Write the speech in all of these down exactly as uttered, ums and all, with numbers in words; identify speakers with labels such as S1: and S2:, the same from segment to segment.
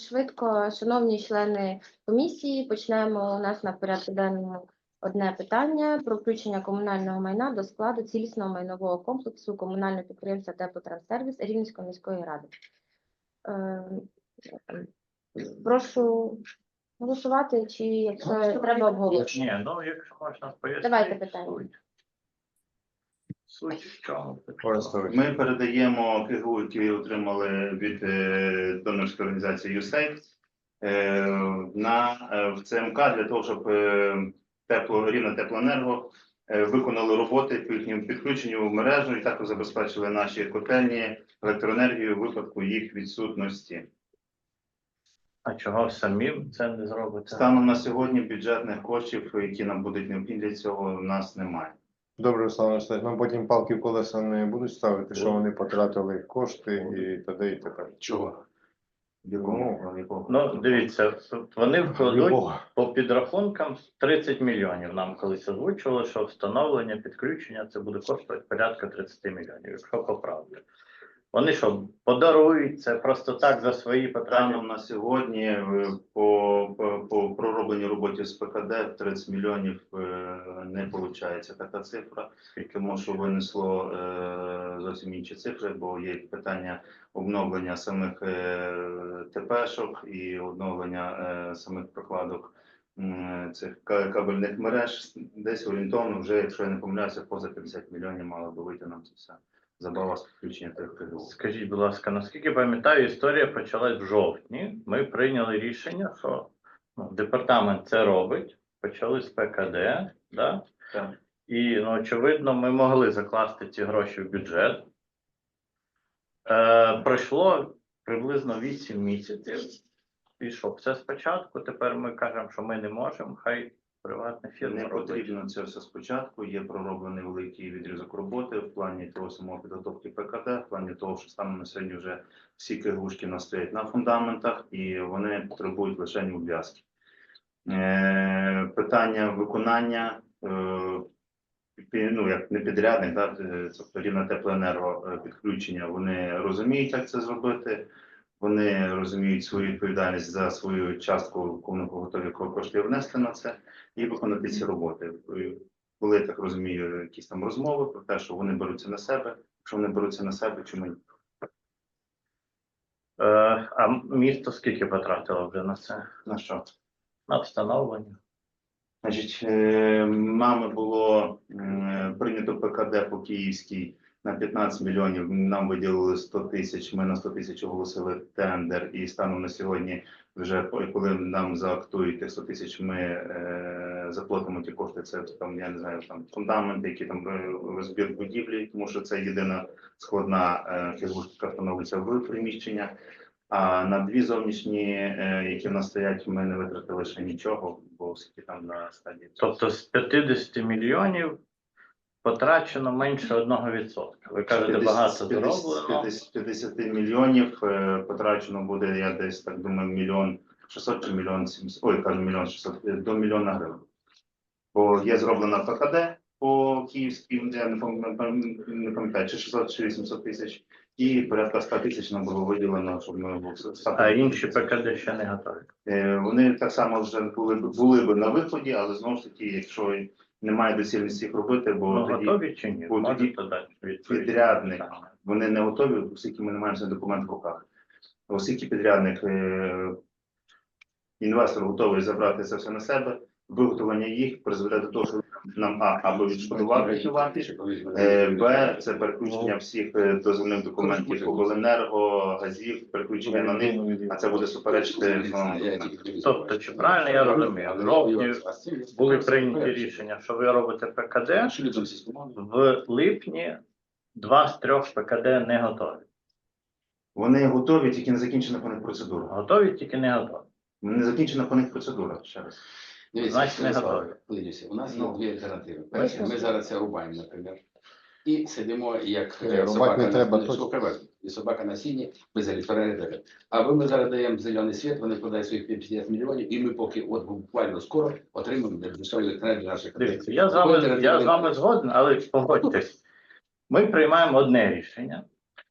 S1: швидко. Шановні члени комісії, почнемо. У нас на порядку денному одне питання про включення комунального майна до складу цілісного майнового комплексу комунального підприємства «Теплотранссервіс» Рівненської міської ради. Е, Прошу голосувати, чи якщо треба обговорити.
S2: Ні, ну якщо можна пояснити.
S1: Давайте питання.
S2: Суть. Суть в чому?
S3: Ми передаємо КГУ, які отримали від е, донорської організації ю ес ей ді, е, на е, в ЦМК для того, щоб е, тепло, Рівне теплоенерго е, виконали роботи по їхньому підключенню в мережу і також забезпечили наші котельні електроенергію в випадку їх відсутності.
S2: А чого самі це не зробите?
S3: Станом на сьогодні бюджетних коштів, які нам будуть необхідні для цього, у нас немає.
S4: Добре, Руслан Васильович, нам потім палки в колеса не будуть ставити, що вони потратили кошти і т.д. і т.п.
S3: Чого? Якому? Якого?
S2: Ну, дивіться, вони вкладуть
S4: Любого.
S2: по підрахункам тридцять мільйонів. Нам колись озвучували, що встановлення, підключення це буде коштувати порядка тридцять мільйонів, якщо по правді. Вони що, подарують це просто так за свої потреби?
S3: Станом на сьогодні е, по, по, по проробленій роботі з ПКД тридцять мільйонів е, не виходить така цифра, тому що винесло е, зовсім інші цифри, бо є питання обновлення самих е, ТПшок і обновлення е, самих прокладок е, цих кабельних мереж. Десь орієнтовно вже, якщо я не помиляюся, поза п'ятдесят мільйонів мало би вийти нам це все. Забава з підключення тих КГУ.
S2: Скажіть, будь ласка, наскільки пам'ятаю, історія почалась в жовтні. Ми прийняли рішення, що ну, департамент це робить, почали з ПКД, да?
S3: Так.
S2: І, ну, очевидно, ми могли закласти ці гроші в бюджет. Е, пройшло приблизно вісім місяців. І що, все спочатку, тепер ми кажемо, що ми не можемо, хай приватна фірма
S3: Не
S2: робить.
S3: потрібно це все спочатку. Є пророблений великий відрізок роботи в плані того самого підготовки ПКД, в плані того, що станом на сьогодні вже всі КГУшки у нас стоять на фундаментах і вони потребують лише ув'язки. Е, питання виконання, е, ну як не підрядник, да, тобто Рівне теплоенерго підключення, вони розуміють, як це зробити. Вони розуміють свою відповідальність за свою частку, коли вони готові кошти внести на це і виконати ці роботи. Були, так розумію, якісь там розмови про те, що вони беруться на себе. Якщо вони беруться на себе, чому ні?
S2: Е, а місто скільки потратило вже на це?
S3: На що?
S2: На встановлення?
S3: Значить, е, нами було е, прийнято ПКД по Київській на п'ятнадцять мільйонів, нам виділили сто тисяч, ми на сто тисяч оголосили тендер, і станом на сьогодні, вже коли нам заактують тих сто тисяч, ми е, заплатимо ті кошти, це там, я не знаю, там фундаменти, які там розбір будівлі, тому що це єдина складна фігурка, яка встановлюється в приміщення. А на дві зовнішні, е, які в нас стоять, ми не витратили ще нічого, бо скільки там на стадії.
S2: Тобто з п'ятдесят мільйонів потрачено менше одного відсотка. Ви кажете, багато зроблено.
S3: З п'ятдесят мільйонів е, потрачено буде, я десь так думаю, мільйон шістсот чи мільйон сімсот, ой, кажу, мільйон шістсот, до мільйона гривень. Бо є зроблена ПКД по Київській, я не пам'ятаю, не пам'ятаю, чи шістсот, чи вісімсот тисяч, і порядка ста тисяч нам було виділено, щоб ми були.
S2: А інші ПКД ще не готові?
S3: Е, вони так само вже були, були б на виході, але знову ж таки, якщо немає доцільності їх робити, бо
S2: Ну,
S3: тоді
S2: готові чи ні?
S3: бо тоді
S2: Можете дати відповідь?
S3: підрядник, вони не готові, оскільки ми не маємо цей документ в руках. Оскільки підрядник, е, інвестор готовий забрати це все на себе, виготовлення їх призведе до того, що нам а, або відшкодувати вартість, е, б, це переключення всіх е, дозвільних документів обленерго, газів, переключення на них, а це буде суперечити основному документу.
S2: Тобто, чи правильно я розумію, в жовтні були прийняті рішення, що ви робите ПКД, в липні два з трьох ПКД не готові.
S3: Вони готові, тільки не закінчена по них процедура.
S2: Готові, тільки не готові.
S3: Не закінчена по них процедура, ще раз.
S2: Значить, не готові.
S5: У нас є
S3: Ну.
S5: дві альтернативи. Перше, ми зараз це рубаємо, наприклад, і сидимо як
S4: Ні,
S5: е,
S4: рубати
S5: собака
S4: не
S5: на
S4: треба,
S5: сіні,
S4: точно.
S5: що привезли. І собака на сіні без електроенергії. А ви ми зараз даємо зелений світ, вони вкладають своїх п'ятдесят мільйонів, і ми поки от буквально скоро отримаємо дешеву електроенергію наших
S2: Дивіться, я з вами, я з вами згоден, але погодьтесь. Ми приймаємо одне рішення,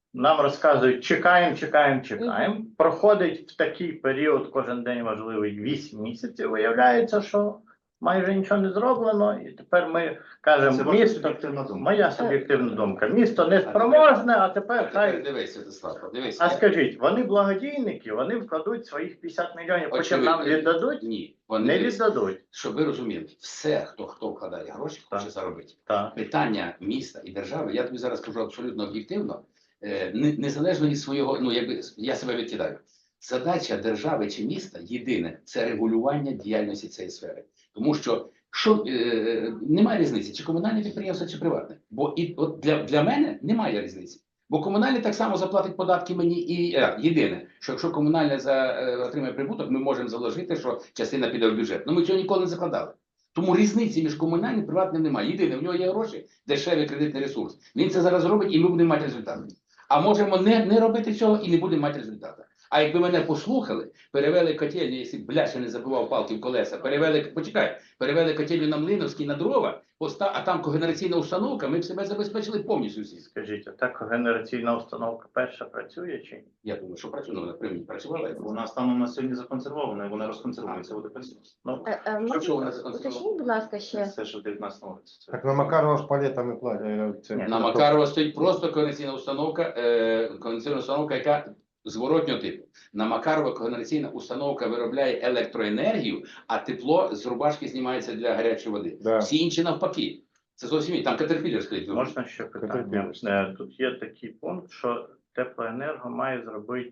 S2: нам розказують, чекаємо, чекаємо, чекаємо. Проходить в такий період, кожен день важливий, вісім місяців. Виявляється, що майже нічого не зроблено. І тепер ми
S3: Це
S2: кажемо,
S3: ваша
S2: місто,
S3: суб'єктивна думка.
S2: моя суб'єктивна думка, місто не спроможне, а тепер
S5: Тепер
S2: хай.
S5: дивись, Святослав, дивись.
S2: А
S5: я-
S2: скажіть, вони благодійники, вони вкладуть своїх п'ятдесят мільйонів, потім нам
S5: Очевидно.
S2: віддадуть?
S5: Ні, вони
S2: Не
S5: дивись,
S2: віддадуть.
S5: щоб ви розуміли, все, хто хто вкладає гроші, хоче
S2: Так.
S5: заробити.
S2: Так.
S5: Питання міста і держави, я тобі зараз кажу абсолютно об'єктивно, е, не- незалежно від свого, ну якби я себе відкидаю. Задача держави чи міста єдине це регулювання діяльності цієї сфери. Тому що що е, немає різниці, чи комунальне підприємство, чи приватне. Бо і от для, для мене немає різниці. Бо комунальне так само заплатить податки мені і е, єдине, що якщо комунальне за, е, отримає прибуток, ми можемо заложити, що частина піде в бюджет. Ну ми цього ніколи не закладали. Тому різниці між комунальним і приватним немає. Єдине, в нього є гроші, дешевий кредитний ресурс. Він це зараз робить, і ми будемо мати результати. А можемо не, не робити цього і не будемо мати результату. А якби мене послухали, перевели котельню, якщо бляше не забував палки в колеса, перевели, почекай, перевели котельню на Млиновський, на дрова, поста- а там когенераційна установка, ми б себе забезпечили повністю всі.
S2: Скажіть, а так генераційна установка перша працює чи ні?
S5: Я думаю, що працює, ну, вона при мені працювала.
S3: Вона станом на сьогодні законсервована, і вона розконсервується, буде працювати.
S2: Ну,
S1: Е, е,
S5: Що, що вона
S1: можна-
S5: законсервована?
S1: Уточніть, будь ласка, ще.
S3: Це ще в дев'ятнадцятому році. Це-
S4: Так на Макарова ж палетами платять. це-
S2: Ні,
S5: На Макарова стоїть просто когенераційна установка, е, когенераційна установка, яка зворотнього типу. На Макарова когенераційна установка виробляє електроенергію, а тепло з рубашки знімається для гарячої води.
S4: Да.
S5: Всі інші навпаки. Це зовсім інше. Там Caterpillar стоїть.
S2: можна ще питання? Е, Тут є такий пункт, що теплоенерго має зробити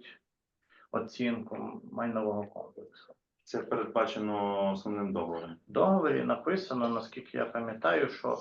S2: оцінку майнового комплексу.
S3: Це передбачено основним договором.
S2: В договорі написано, наскільки я пам'ятаю, що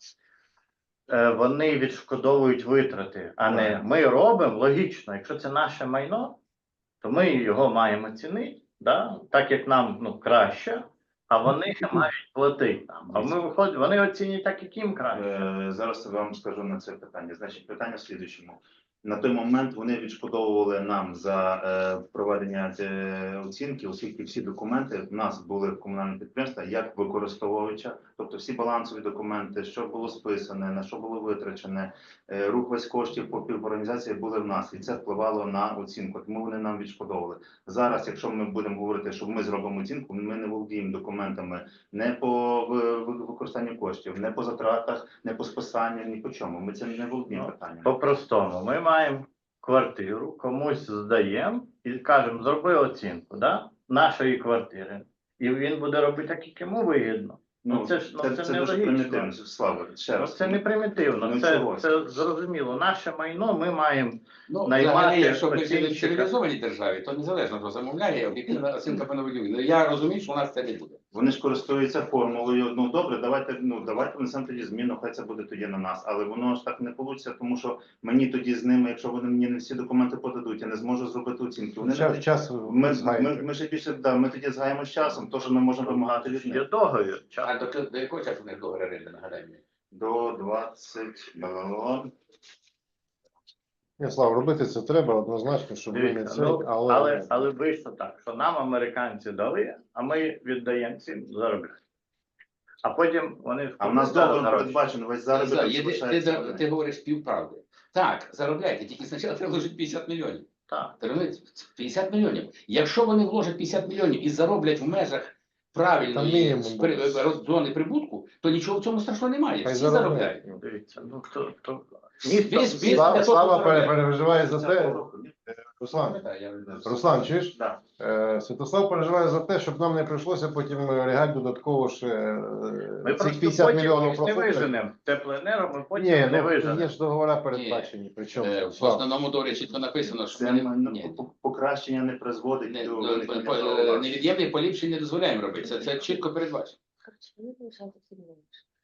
S2: е, вони відшкодовують витрати, а не ми робимо логічно. Якщо це наше майно, то ми його маємо цінити, да? Так як нам ну, краще, а вони мають платити нам. А ми виходимо, вони оцінюють так, як їм краще.
S3: Е, Зараз я вам скажу на це питання. Значить, питання в слідуючому. На той момент вони відшкодовували нам за е, проведення е, оцінки, оскільки всі документи в нас були в комунальному підприємстві як використовувача, тобто всі балансові документи, що було списане, на що було витрачене, е, рух весь коштів по піворганізації були в нас, і це впливало на оцінку. Тому вони нам відшкодовували. Зараз, якщо ми будемо говорити, що ми зробимо оцінку, ми не володіємо документами не по ви- ви- використанню коштів, не по затратах, не по списанню, ні по чому. Ми це не володіємо
S2: Ну,
S3: питанням.
S2: По-простому, ми маємо квартиру, комусь здаємо і кажемо, зроби оцінку да? нашої квартири. І він буде робити так, як йому вигідно. Ну, це ж ну,
S3: це,
S2: це,
S3: це
S2: не
S3: дуже
S2: логічно.
S3: примітивно, Слава. Ще
S2: Ну,
S3: раз.
S2: це не примітивно,
S3: Ну,
S2: це,
S3: чого?
S2: це зрозуміло. Наше майно ми маємо.
S5: Ну,
S2: Наймати
S5: взагалі, якщо ми жили в
S2: оцінщика.
S5: цивілізованій державі, то незалежно хто замовляє, об'єктивна оцінка пановелює. Ну, я розумію, що у нас це не буде.
S3: Вони ж користуються формулою. Ну добре, давайте ну давайте внесемо тоді зміну, хай це буде тоді на нас. Але воно ж так не вийде, тому що мені тоді з ними, якщо вони мені не всі документи подадуть, я не зможу зробити оцінку. Вони
S4: Час,
S3: не
S4: час
S3: ми,
S4: знаєте.
S3: ми, ми ще більше да, ми тоді згаємо з часом, то що ми можемо вимагати від
S2: Є
S3: них.
S2: договір.
S5: А до, до якого часу не договір оренди, нагадай мені?
S3: До двадцять бла-бла-бла.
S4: Ні, Слав, робити це треба однозначно, щоб ви не
S2: Дивіться,
S4: це,
S2: ну,
S4: але,
S2: але, але вийшло так, що нам американці дали, а ми віддаємо цим заробляти. А потім вони
S3: А в нас
S2: вкладали
S3: договор
S2: гроші.
S3: передбачено весь
S5: Зараз,
S3: заробіток
S5: ти, ти,
S3: залишається.
S5: ти, ти говориш півправди. Так, заробляйте, тільки спочатку треба вложити п'ятдесят мільйонів.
S2: Так.
S5: Ти розумієш? п'ятдесят мільйонів. Якщо вони вложать п'ятдесят мільйонів і зароблять в межах
S4: Там
S5: правильної
S4: мінімум
S5: при-
S4: буде.
S5: роз- зони прибутку, то нічого в цьому страшного немає.
S4: хай
S5: Всі
S4: заробляють.
S5: заробляють.
S2: Дивіться, ну то, то...
S5: Весь бізнес
S4: Слава,
S5: для того
S4: Слава
S5: заробляє.
S4: пере- переживає за те, Руслан,
S5: Так, я-
S4: Руслан, чуєш?
S3: Да.
S4: Е, Святослав переживає за те, щоб нам не прийшлося потім регати додатково ще е,
S2: Ми
S4: цих
S2: просто
S4: п'ятдесят
S2: потім
S4: мільйонів
S2: їх не
S4: профукати.
S2: виженемо. Теплоенерго ми потім
S4: Ні,
S2: не
S4: ну
S2: виженемо.
S4: є ж договори передбачені. Причому
S5: Е, В
S4: Слав,
S5: основному договорі чітко написано, що
S3: Це
S5: ми
S3: ну,
S5: не,
S3: по- покращення не призводить
S5: не,
S3: до
S5: до-
S3: виникнення
S5: по-
S3: зауважень.
S5: невід'ємних поліпшень не дозволяємо робити. Це, це чітко передбачено.
S1: Коротше, мені залишається сильніше.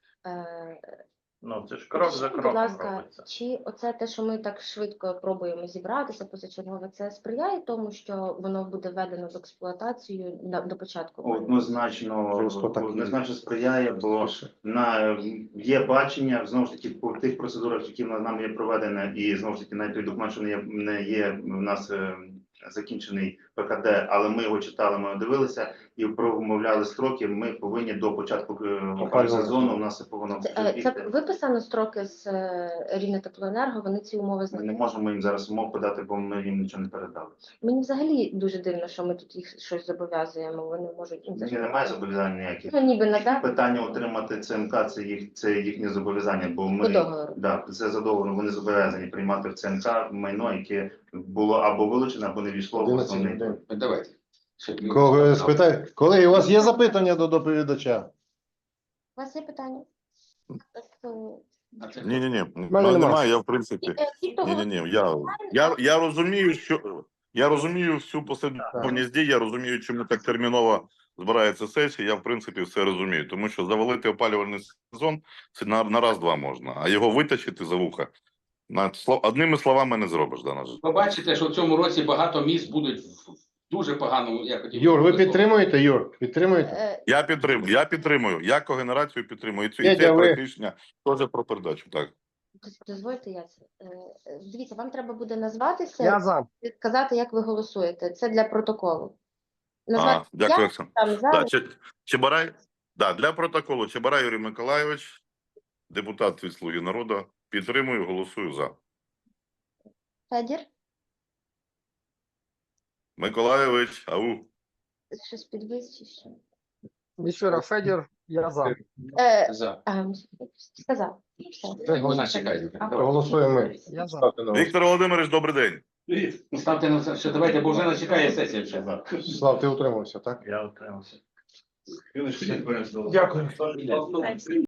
S1: Е,
S2: Ну, це ж крок за
S1: Скажіть,
S2: кроком
S1: будь ласка,
S2: робиться.
S1: чи оце те, що ми так швидко пробуємо зібратися позачергове, це сприяє тому, що воно буде введено в експлуатацію на, до початку? війни?
S3: Однозначно,
S4: Просто так.
S3: однозначно сприяє, бо на є бачення знову ж таки по тих процедурах, які на- нам є проведені, і знову ж таки навіть той документ, що не є, не є у нас е, закінчений ПКД, але ми його читали, ми його дивилися і промовляли строки. Ми повинні до початку е,
S4: Опалювального
S3: сезону. У нас це повинно
S1: Це, е, це
S3: бігти.
S1: виписано строки з е, Рівнетеплоенерго, вони ці умови
S3: Ми не
S1: знають.
S3: можемо їм зараз умов подати, бо ми їм нічого не передали.
S1: Мені взагалі дуже дивно, що ми тут їх щось зобов'язуємо. Вони можуть ну, це
S3: Ні,
S1: ж-
S3: немає зобов'язань ніяких.
S1: Ну, ніби надати
S3: Питання отримати ЦМК це їх це їхнє зобов'язання, бо
S1: по
S3: ми
S1: договору.
S3: да, це за договором. Вони зобов'язані приймати в ЦМК майно, яке було або вилучено, або не війшло в
S4: одинадцять
S3: основний.
S4: людей.
S5: Давайте. Щоб ми-
S4: Кого спитаю? Колеги, у вас є запитання до доповідача?
S1: У вас є питання? Так, е,
S5: А це
S6: Ні, ні, ні,
S4: мене нема.
S6: немає. Я в принципі.
S1: е, ті, хто
S6: Ні, ні, ні. Я, я, я розумію, що я розумію всю послідовність дій, я розумію, чому так терміново збирається сесія. Я в принципі все розумію, тому що завалити опалювальний сезон це на, на раз-два можна, а його витащити за вуха на слов одними словами не зробиш. Да, на жаль.
S5: Побачите, що в цьому році багато міст будуть в дуже поганому. Я хотів
S4: Юр, ви
S5: би-
S4: підтримуєте, Юр? Підтримуєте?
S1: е,
S6: Я підтримую, я підтримую. Я когенерацію підтримую. І цю і
S4: Федя,
S6: це
S4: ви-
S6: проект рішення теж про передачу. Так.
S1: доз- дозвольте я це. Е, е, Дивіться, вам треба буде назватися,
S4: Я за.
S1: сказати, як ви голосуєте. Це для протоколу.
S6: А,
S1: Назвати
S6: дякую,
S1: я,
S6: Оксана.
S1: там за.
S6: Да, Че- Чебарай, да, для протоколу Чебарай Юрій Миколайович, депутат від «Слуги народу», підтримую, голосую за.
S1: Федір,
S6: Миколайович, ау.
S1: щось підвис чи що?
S7: Міщура Федір, я за.
S1: Е,
S5: За.
S1: а, сказав. Все.
S5: Вона чекає.
S1: А,
S4: Голосуємо.
S7: Я за.
S4: Ставте на
S6: Віктор Володимирович, добрий день.
S5: Ну, ставте на це, що давайте, бо вже не чекає сесія ще.
S4: голосування. Слав, ти утримався, так?
S2: Я отримався.
S3: Дякую.